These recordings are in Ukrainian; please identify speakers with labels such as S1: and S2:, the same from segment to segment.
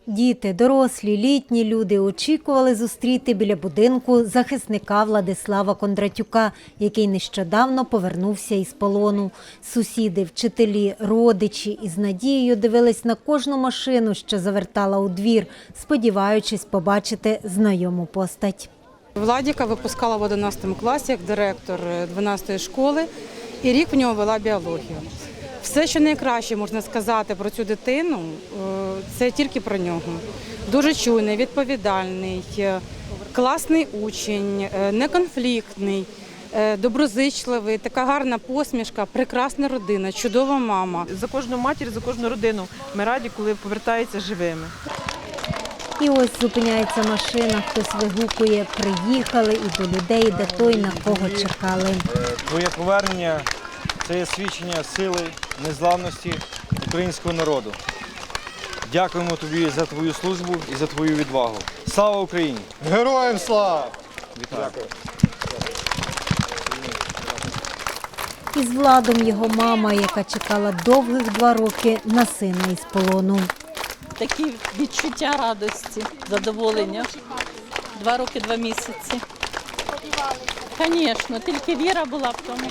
S1: Діти, дорослі, літні люди очікували зустріти біля будинку захисника Владислава Кондратюка, який нещодавно повернувся із полону. Сусіди, вчителі, родичі із надією дивились на кожну машину, що завертала у двір, сподіваючись побачити знайому постать.
S2: Владіка випускала в 11 класі як директор 12-ї школи, і рік в нього вела біологію. Все, що найкраще можна сказати про цю дитину, це тільки про нього. Дуже чуйний, відповідальний, класний учень, неконфліктний, доброзичливий, така гарна посмішка, прекрасна родина, чудова мама.
S3: За кожну матір, за кожну родину ми раді, коли повертаються живими.
S1: І ось зупиняється машина, хтось вигукує «Приїхали» і до людей, де той, на кого чекали.
S4: Твоє повернення – це є свідчення сили, незламності українського народу. Дякуємо тобі за твою службу і за твою відвагу. Слава Україні!
S5: Героям слава!
S4: Вітаю!
S1: Із Владом його мама, яка чекала довгих 2 роки на сина із полону.
S6: Такі відчуття радості, задоволення. 2 роки, 2 місяці. Звісно, тільки віра була в тому.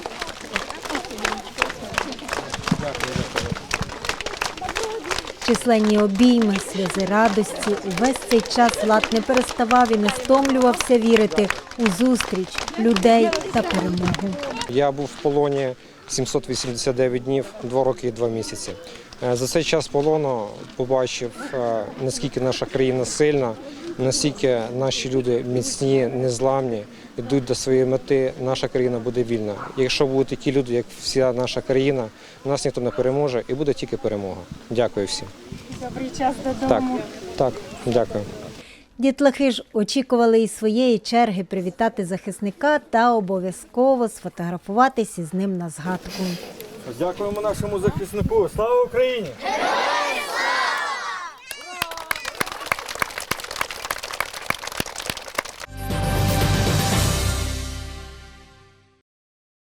S1: Численні обійми, сльози радості. Увесь цей час Влад не переставав і не стомлювався вірити у зустріч людей та перемогу.
S7: Я був в полоні 789 днів, 2 роки і 2 місяці. За цей час полону побачив, наскільки наша країна сильна, наскільки наші люди міцні, незламні, йдуть до своєї мети, наша країна буде вільна. Якщо будуть такі люди, як вся наша країна, нас ніхто не переможе і буде тільки перемога. Дякую всім.
S1: Добрий час додому.
S7: Так, дякую.
S1: Дітлахи ж очікували із своєї черги привітати захисника та обов'язково сфотографуватись із ним на згадку.
S4: Дякуємо нашому захиснику. Слава Україні!